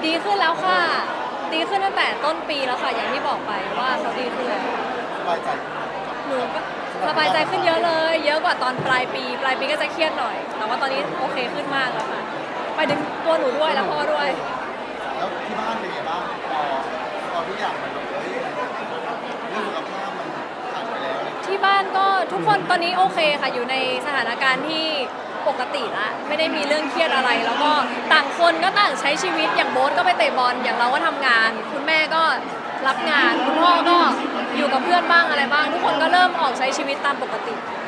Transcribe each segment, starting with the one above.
ดีขึ้นแล้วค่ะดีขึ้นตั้งแต่ต้นปีแล้วค่ะอย่างที่บอกไปว่าเขาดีขึ้นแล้วสบายใจหนูก็สบายใจขึ้นเยอะเลยเยอะกว่าตอนปลายปีก็จะเครียดหน่อย แต่ว่าตอนนี้โอเคขึ้นมากแล้วค่ะไปถึงตัวหนูด้วยแล้วพ่อด้วยแล้วที่บ้านเป็นไงบ้างพอทุกอย่างมันแบบเรื่องสุขภาพมันผ่านไปแล้วอะไรอย่างเงี้ยที่บ้านก็ทุกคนตอนนี้โอเคค่ะอยู่ในสถานการณ์ที่ปกติละไม่ได้มีเรื่องเครียดอะไร แล้วก็ต่างคนก็ต่างใช้ชีวิตอย่างโบ๊ทก็ไปเตะบอลอย่างเราก็ทำงาน คุณแม่ก็รับงานคุณพ่อก็อยู่กับเพื่อนบ้างอะไรบ้าง ทุกคนก็เริ่มออกใช้ชีวิตตามปกติ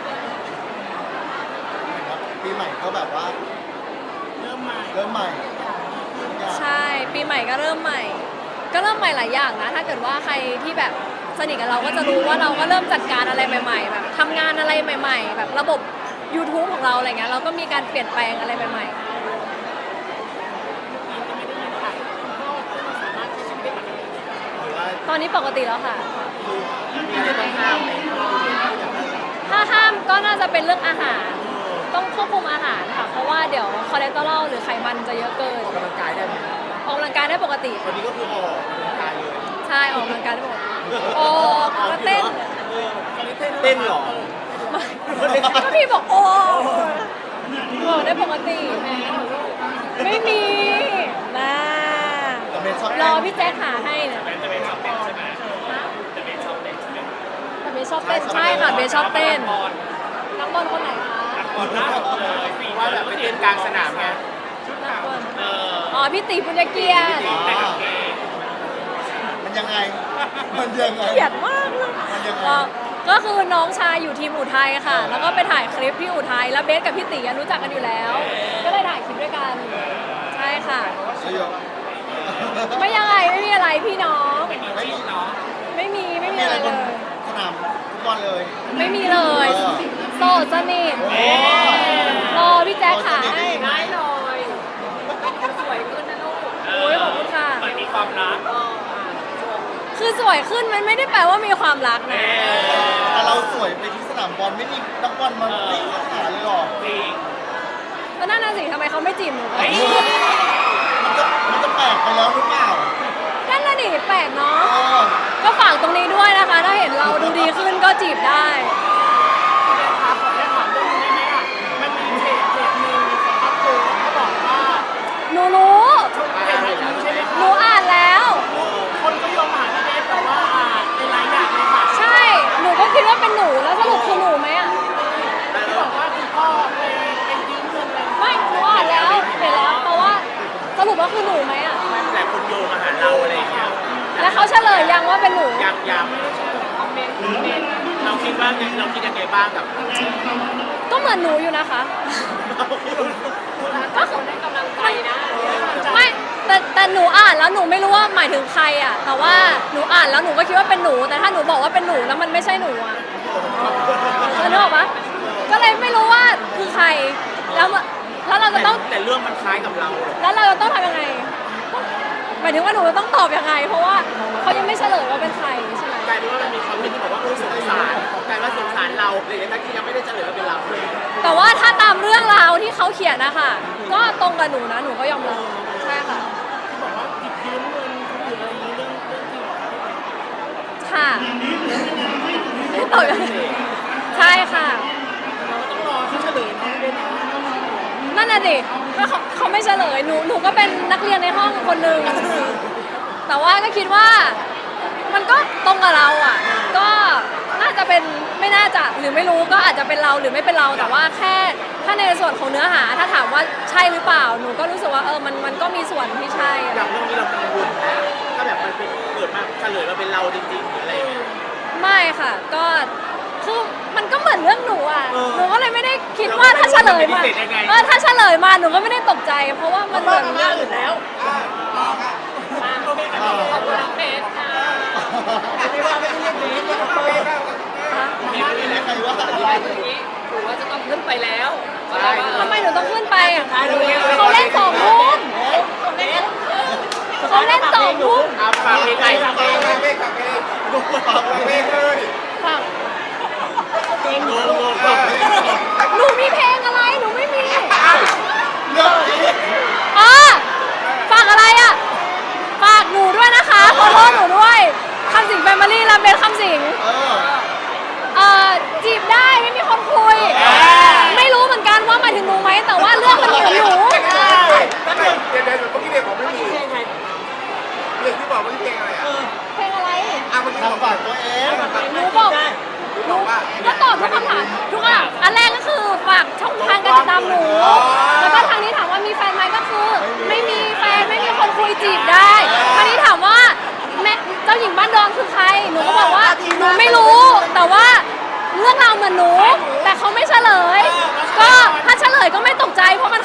ครับปีใหม่ก็แบบว่าเริ่มใหม่ทุกอย่างใช่ปีใหม่ก็เริ่มใหม่ ก็เริ่มใหม่หลายอย่างนะถ้าเกิดว่าใครที่แบบสนิทกับเราก็จะรู้ว่าเราก็เริ่มจัดการอะไรใหม่ๆแบบทำงานอะไรใหม่ๆแบบระบบ YouTube ของเราอะไรเงี้ยเราก็มีการเปลี่ยนแปลงอะไรใหม่ๆตอนนี้ปกติแล้วค่ะมีอะไรต้องห้ามไหมถ้าห้ามก็น่าจะเป็นเรื่องอาหาร ต้องควบคุมอาหารค่ะ เพราะว่าเดี๋ยวคอเลสเตอรอลหรือไขมันจะเยอะเกินออกกำลังกายได้ไหมออกกำลังกายได้ปกติวันนี้ก็คือออกกำลังกายเลยใช่ออกกำลังกายได้ปกติออกก็เต้นเต้นเหรอก็พี่บอกโอ้บอกได้ปกติ ไม่มีนะแต่เมย์ชอบรเต้อน พี่แจ๊คหาให้เนี่ยจะเป็นชอบเต้นใช่ไหมจะเป็นชอบเต้นใช่ไหมแต่เบสชอบเต้นใช่ค่ะเบสชอบเต้นนักบอลคนไหนคะก่อนหน้าเลยสี่ว่าแบบไปเต้นกลางสนามไงนักบอลเอออ๋อพี่ตีปุญญเกียรติแต่กับเกย์มันยังไง มันยังไงเกลียดมากเลยมันยังไงก็คือน้องชายอยู่ทีมอุทัยค่ะ แล้วก็ไปถ่ายคลิปที่อุทัยแล้วเบสกับพี่ตีอะรู้จักกันอยู่แล้ว ก็เลยถ่ายคลิปด้วยกัน ใช่ค่ะประโยคไม่ยังไงไม่มีอะไรพี่น้องไม่มีจิ้นเนาะไม่มีมีอะอะไร ไรเลบนยสนามฟุตบอลเลยไม่มีเลย โสดสนิทโอ้รอพี่แจ๊คขาให้ได้เลยสวยขึ้นนะลูกโอ้ยขอบคุณค่ะมันมีความรักคือสวยขึ้นมันไม่ได้แปลว่ามีความรักนะแต่เราสวยไปที่สนามบอลไม่มีนักบอลมาวิ่งเข้าหาเลยหรอจริงก็นั่นน่ะสิทำไมเขาไม่จีบหนูมันจะแปลกไปแล้วหรือเปล่านั่นน่ะดิแปลกเนาะเออก็ฝากตรงนี้ด้วยนะคะ ถ้าเห็นเราดูดีขึ้นก็จีบได้ครับขอได้ถามเรื่องนี้ได้ไหมอ่ะมันมีเพจหนึ่งครับคือเขาบอกว่าหนูรู้เพจนี้ใช่ไหมหนูอ่านแล้วคนก็โยงมาหาพี่เบสแต่ว่าเป็นหลายอย่างเลยค่ะใช่ หนูก็คิดว่าเป็นหนูแล้วสรุปคือหนูไหมอ่ะที่บอกว่าคุณพ่อเป็นยืมเงินอะไรไม่หนูอ่านแล้วเห็นแล้วเพราะว่าสรุปว่าคือหนูไหมอ่ะแต่คนโยงมาหาเราอะไรอย่างเงี้ยแล้วเขาเฉลยยังว่าเป็นหนูยังไม่ได้ชมคอมเมนต์เราคิดว่าเราคิดยังไงบ้างกับก็เหมือนหนูอยู่นะคะ ก็คือได้กำลังใจนะไม่แต่หนูอ่านแล้วหนูไม่รู้ว่าหมายถึงใครอ่ะ แต่ว่าหนูอ่านแล้วหนูก็คิดว่าเป็นหนู แต่ถ้าหนูบอกว่าเป็นหนูแล้วมันไม่ใช่หนูอ่ะนึกออกปะก็เลยไม่รู้ว่าคือใคร แล้วเราจะต้องแต่เรื่องมันคล้ายกับเราแล้วเราจะต้องทำยังไงหมายถึงว่าหนูจะต้องตอบยังไง เพราะว่าเขายังไม่เฉลยว่าเป็นใครใช่ไหมกลายเป็นว่ามันมีคอมเมนต์ที่บอกว่าสงสารกลายว่าสงสารเราเลยทั้งที่ยังไม่ได้เฉลยว่าเป็นเราแต่ว่าถ้าตามเรื่องราวที่เขาเขียนนะคะก็ตรงกับหนูนะหนูก็ยอมรับใช่ค่ะที่บอกว่าติดยืมเงินคนอื่นอะไรอย่างนี้เรื่องจริงเหรอค่ะไม่ตอบยังไงใช่ค่ะเราก็ต้องรอเขาเฉลยนะด้วยนะนั่นน่ะดิก็เขาไม่เฉลยหนูก็เป็นนักเรียนในห้องคนหนึ่งแต่ว่าก็คิดว่ามันก็ตรงกับเราอ่ะ ก็น่าจะเป็นไม่น่าจะหรือไม่รู้ก็อาจจะเป็นเราหรือไม่เป็นเราแต่ว่าแค่ถ้าในส่วนของเนื้อหาถ้าถามว่าใช่หรือเปล่าหนูก็รู้สึกว่ามันก็มีส่วนที่ใช่อย่างเรื่องนี้เรากังวลนะถ้าแบบมันเป็นเกิดมาเฉลยมาเป็นเราจริงๆหรืออะไรอย่างเงี้ยไม่ค่ะ ก็คือมันก็เหมือนเรื่องหนูอ่ะหนูก็เลยไม่ได้คิดว่าถ้าเฉลยมาถ้าเฉลยมาหนูก็ไม่ได้ตกใจ เพราะว่ามันเหมือนเรื่องอื่นแล้วโอเคขอบคุณน้องเบสค่ะไม่ว่าไม่ได้เรียกเบสเรียกเบสไม่ได้ใครว่าถือว่าจะต้องขึ้นไปแล้วทำไมหนูต้องขึ้นไปอ่ะเขาเล่น2 ทุ่มเขาเล่น2 ทุ่มเอาฝากเพลงไงฝากเพลงฝากเพลงหนูหนูมีเพลงอะไรหนูไม่มีเรื่องนี้อ๋อฝากอะไรอ่ะบ้านดอนคือใครหนูก็บอกว่าหนูไม่รู้แต่ว่าเรื่องราวเหมือนหนูแต่เขาไม่เฉลย ก็ถ้าเฉลยก็ไม่ตกใจเพราะมัน